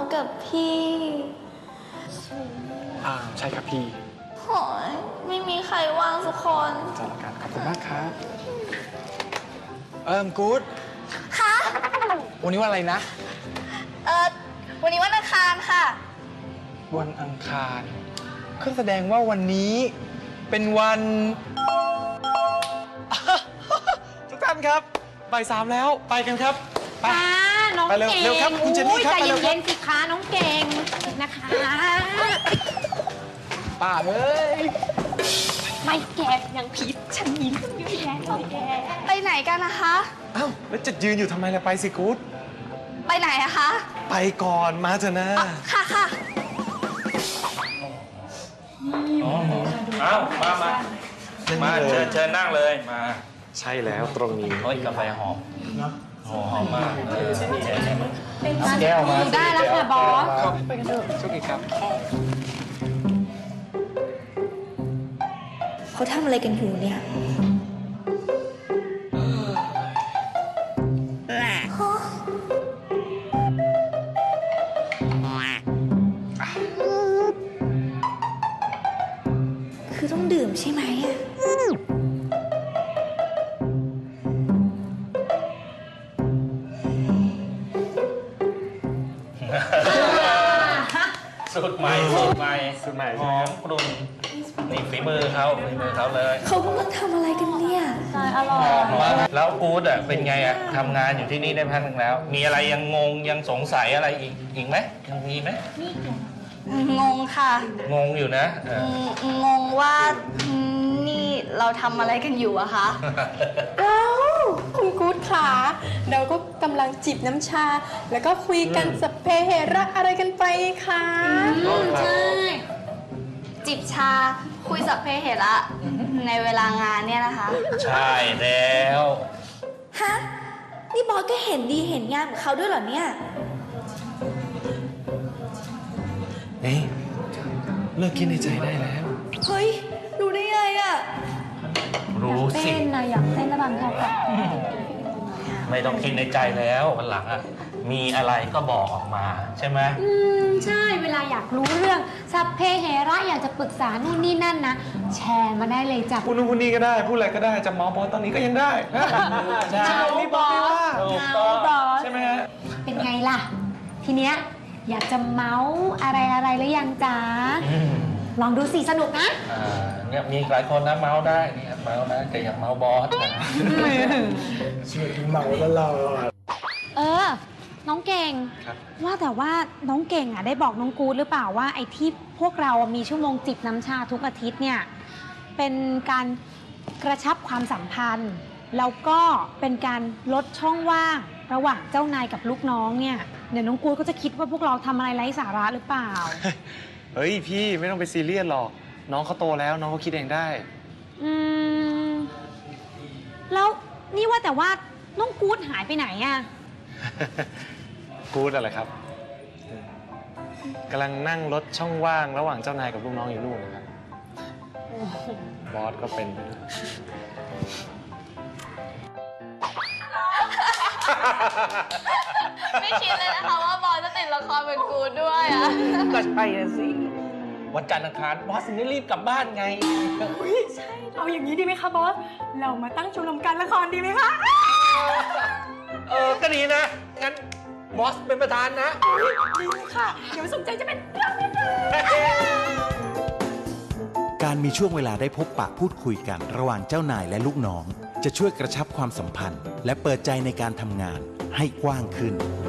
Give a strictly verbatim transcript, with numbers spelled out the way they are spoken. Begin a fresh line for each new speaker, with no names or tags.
กับพี่
อ่าใช่ครับพี่
โหยไม่มีใครว่างสักคน
จัดละกันขอบคุณมากครับเอิ่มกู๊ด
คะ
วันนี้วันอะไรนะ
เออวันนี้วันอังคารค่ะ
วันอังคารก็แสดงว่าวันนี้เป็นวัน ทุกท่านครับบ่ายสามแล้วไปกันครับไป
ค่ะน้อง
ไปเร็ว
เก่ง
เร็วครับคุณเจนนี่ครับ
ใจ
ไปเร็วครับ
เย็นๆสิคะน้องเก่งนะคะ
ป้าเอ้ย
ไม่แกยังผิดฉันมีเรื่องเยอะแยะเลยแก
ไปไหนกันนะคะ
เอ้าแล้วจะยืนอยู่ทำไมล่ะไปสิกู๊ด
ไปไหนอะคะ
ไปก่อนมาเถอะนะ
ค่ะค่ะ
อ้าวมามามาเชิญเชิญนั่งเลยมา
ใช่แล้วตรงนี้
โอ้ยกาแฟหอมหอมหอมมากเออ
แก้วมา
ได้แล้วค่ะบอส
ครับไปกันเถอะโชคดีครับ
เขาทำอะไรกันอยู่เนี่ยฮะคือต้องดื่มใช่ไหมอะ
สูตรใหม่สูตรใหม่
สูตรใหม่
หอมกรุ่นนี่ฝีมือเขาฝีมือเขาเลย
เขากำลังทำอะไรกันเนี่ย
อร่อย
หอมมากแล้วกู๊ดอ่ะเป็นไงอ่ะทำงานอยู่ที่นี่ได้พักหนึ่งแล้ว มีอะไรยังงงยังสงสัยอะไรอีกอีกไหมยังมีไหม
งงค่ะ
งงอยู่นะเออ
งงงว่านี่เราทำอะไรกันอยู่อะคะ
ว้าวคุณกู๊ดขาเราก็กำลังจิบน้ำชา แล้วก็คุยกันสพเพเหระอะไรกันไปค่ะ
ใช่
จิบชาคุยสัพเพเหระในเวลางานเนี่ยนะคะ
ใช่แล้ว
ฮะ นี่บอสก็เห็นดีเห็นงามกับเขาด้วยเหรอเนี่ย
เฮ้ยเลิกคิดในใจได้แล้ว
เฮ้ย รู้ได้ไงอะ
รู้สิ
เต้นนะอยากเต้นระบำเขาค่ะ
ไม่ต้องคิดในใจแล้ววันหลังอ่ะมีอะไรก็บอกออกมาใช่ไหม
อืมใช่เวลาอยากรู้เรื่องสัพเพเหระอยากจะปรึกษานู่นนี่นั่นนะแชร์มาได้เลยจ้ะ
พูดนู่นพูดนี่ก็ได้ พูดอะไรก็ได้ จะเมาส์บอสตอนนี้ก็ยังได้
ใช่
รีบบอกไม่ว่า
ถูกต้อง
บอส
ใช่ไหมฮะ
เป็นไงล่ะ ทีเนี้ยอยากจะเมาส์อะไรอะไรหรือยังจ๊ะ
อืม
ลองดูสิสนุกนะ
อ่าเนี่ยมีหลายคนนะเมาส์ได้เนี่ยเมาส์นะแต่อยากเมาส์บอสนะ
ช่วยเมาแล้วเรา
เออ น้องเก่ง
ครับ
ว่าแต่ว่าน้องเก่งอ่ะได้บอกน้องกู๊ดหรือเปล่าว่าไอ้ที่พวกเรามีชั่วโมงจิบน้ำชาทุกอาทิตย์เนี่ยเป็นการกระชับความสัมพันธ์ แล้วก็เป็นการลดช่องว่างระหว่างเจ้านายกับลูกน้องเนี่ยเดี๋ยวน้องกู๊ดก็จะคิดว่าพวกเราทำอะไรไร้สาระหรือเปล่า
เฮ้ยพี่ไม่ต้องไปซีเรียสหรอก น้องเขาโตแล้วน้องเขาคิดเองได้
อืมแล้วนี่ว่าแต่ว่าน้องกู๊ดหายไปไหนอ่ะ
กู๊ดอะไรครับกำลังนั่งลดช่องว่างระหว่างเจ้านายกับลูกน้องอยู่นู่นนะครับ บอสก็เป็น
ไม่คิดเลยนะคะว่าบอสจะติดละครเป็นกูด้วยอะ
ก็ใช่อะสิวันจันทร์อังคารบอสถึงได้รีบกลับบ้านไง
เอาอย่างนี้ดีไหมคะบอส เรามาตั้งชมรมการละครดีไหมคะ
เออก็ดีนะงั้นบอสเป็นประธานนะ
ดีค่ะ เดี๋ยวสนใจจะเป็น
การมีช่วงเวลาได้พบปะพูดคุยกันระหว่างเจ้านายและลูกน้อง จะช่วยกระชับความสัมพันธ์ และเปิดใจในการทำงานให้กว้างขึ้น